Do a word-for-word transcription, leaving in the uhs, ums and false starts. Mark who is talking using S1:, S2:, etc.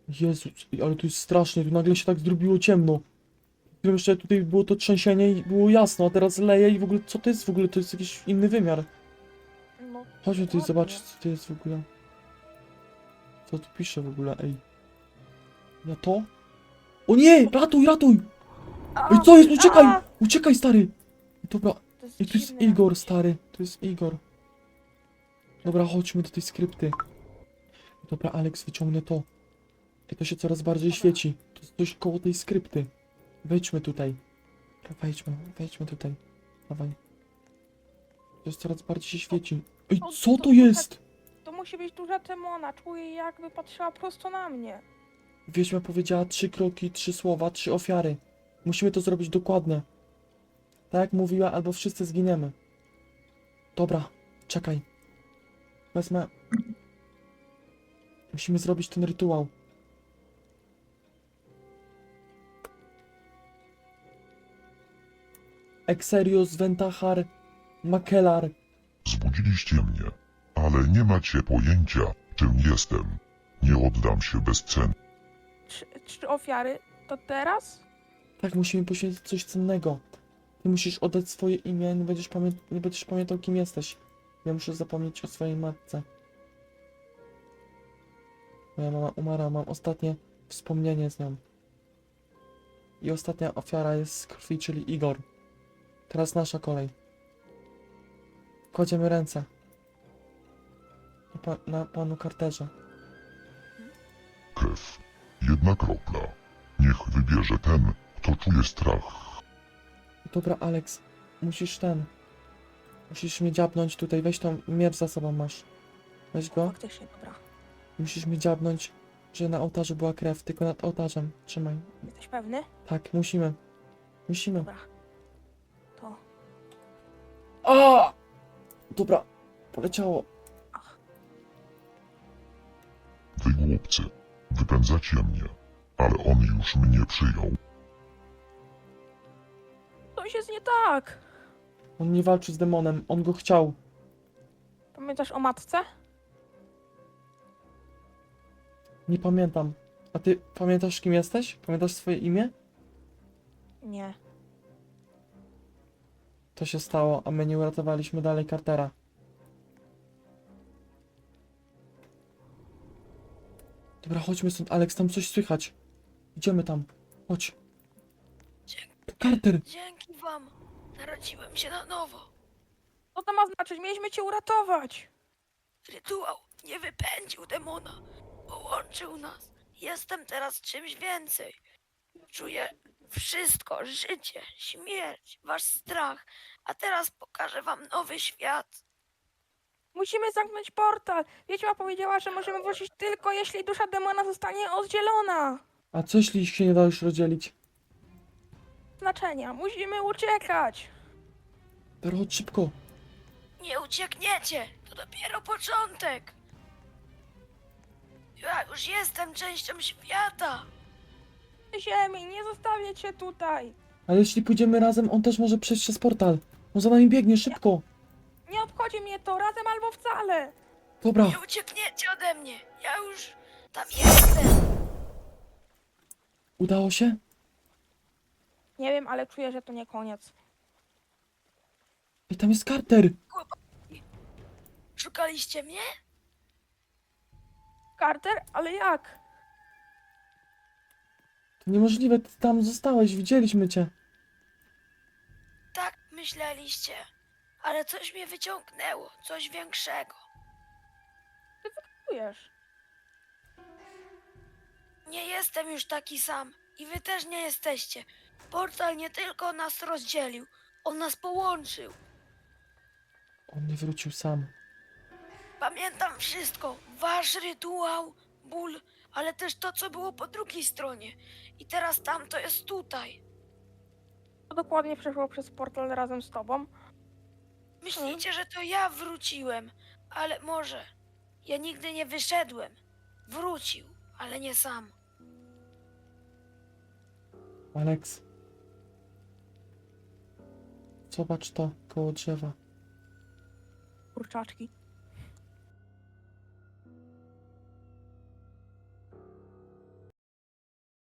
S1: Jezu, ale to jest strasznie, tu nagle się tak zrobiło ciemno. Jeszcze tutaj było to trzęsienie i było jasno, a teraz leje i w ogóle, co to jest w ogóle? To jest jakiś inny wymiar.
S2: No,
S1: Chodźmy tutaj
S2: ładnie.
S1: zobaczyć, co to jest w ogóle. Co tu pisze w ogóle, ej. Ja to? O nie! Ratuj, ratuj!
S2: A,
S1: Ej, co jest? Uciekaj!
S2: a!
S1: Uciekaj, stary! Dobra,
S2: To jest
S1: ej, to jest
S2: dziwne
S1: Igor,
S2: jakieś.
S1: stary. To jest Igor. Dobra, chodźmy do tej skrypty. Dobra, Alex, wyciągnę to. I to się coraz bardziej
S2: Dobra.
S1: świeci. To jest coś koło tej skrypty. Wejdźmy tutaj. Dobra, wejdźmy, wejdźmy tutaj. Dawaj. To jest coraz bardziej się świeci. Ej,
S2: O,
S1: co
S2: to-
S1: to jest?
S2: To musi być duża demona. Czuję, jakby patrzyła prosto na mnie.
S1: Wiedźma powiedziała trzy kroki, trzy słowa, trzy ofiary. Musimy to zrobić dokładnie. Tak jak mówiła, albo wszyscy zginiemy. Dobra, czekaj. Wezmę... Musimy zrobić ten rytuał. Exerius Ventahar Makelar.
S3: Zbudziliście mnie, ale nie macie pojęcia, czym jestem. Nie oddam się bez cen.
S2: Trzy, trzy ofiary. To teraz?
S1: Tak, musimy poświęcić coś cennego. Ty musisz oddać swoje imię, nie będziesz, pamię nie będziesz pamiętał, kim jesteś. Ja muszę zapomnieć o swojej matce. Moja mama umarła, mam ostatnie wspomnienie z nią. I ostatnia ofiara jest z krwi, czyli Igor. Teraz nasza kolej. Kładziemy ręce. Na, pa na panu Carterze.
S3: Krew. Jedna kropla. Niech wybierze ten, kto czuje strach.
S1: Dobra, Alex, musisz ten. Musisz mnie dziabnąć tutaj, weź tą miecz za sobą masz. Weź go.
S2: Faktycznie, dobra.
S1: Musisz mnie dziabnąć, że na ołtarzu była krew, tylko nad ołtarzem. Trzymaj.
S2: Jesteś pewny?
S1: Tak, musimy. Musimy.
S2: Dobra. To.
S1: A! Dobra, poleciało.
S3: Wy głupcy. Wypędzacie mnie. Ale on już mnie przyjął.
S2: Coś jest nie tak.
S1: On nie walczy z demonem, on go chciał.
S2: Pamiętasz o matce?
S1: Nie pamiętam. A ty pamiętasz, kim jesteś? Pamiętasz swoje imię?
S2: Nie.
S1: To się stało, a my nie uratowaliśmy dalej Cartera. Dobra, chodźmy stąd, Alex, tam coś słychać. Idziemy tam. Chodź. To Carter!
S4: Dzięki wam narodziłem się na nowo.
S2: Co to ma znaczyć? Mieliśmy cię uratować.
S4: Rytuał nie wypędził demona. Połączył nas. Jestem teraz czymś więcej. Czuję wszystko. Życie, śmierć, wasz strach. A teraz pokażę wam nowy świat.
S2: Musimy zamknąć portal. Wiedźma powiedziała, że możemy wrócić tylko jeśli dusza demona zostanie oddzielona.
S1: A co jeśli ich się nie da już rozdzielić?
S2: Znaczenia. Musimy uciekać.
S1: Dobra, chodź szybko.
S4: Nie uciekniecie. To dopiero początek. Ja już jestem częścią świata.
S2: Ziemi, nie zostawię cię tutaj.
S1: Ale jeśli pójdziemy razem, on też może przejść przez portal. On za nami biegnie, szybko.
S2: Nie obchodzi mnie to, razem albo wcale.
S1: Dobra,
S4: Nie uciekniecie ode mnie. Ja już tam jestem.
S1: udało się?
S2: Nie wiem, ale czuję, że to nie koniec.
S1: I tam jest Carter.
S4: Szukaliście mnie?
S2: Carter? Ale jak?
S1: To niemożliwe, ty tam zostałeś, widzieliśmy cię.
S4: Tak myśleliście, ale coś mnie wyciągnęło, coś większego.
S2: Czujesz?
S4: Nie jestem już taki sam i wy też nie jesteście. Portal nie tylko nas rozdzielił, on nas połączył.
S1: On nie wrócił sam.
S4: Pamiętam wszystko, wasz rytuał, ból, ale też to, co było po drugiej stronie. I teraz tamto jest tutaj.
S2: To dokładnie przeszło przez portal razem z tobą.
S4: Myślicie, że to ja wróciłem, ale może. Ja nigdy nie wyszedłem. Wrócił, ale nie sam.
S1: Alex. Zobacz to koło drzewa.
S2: Kurczaczki.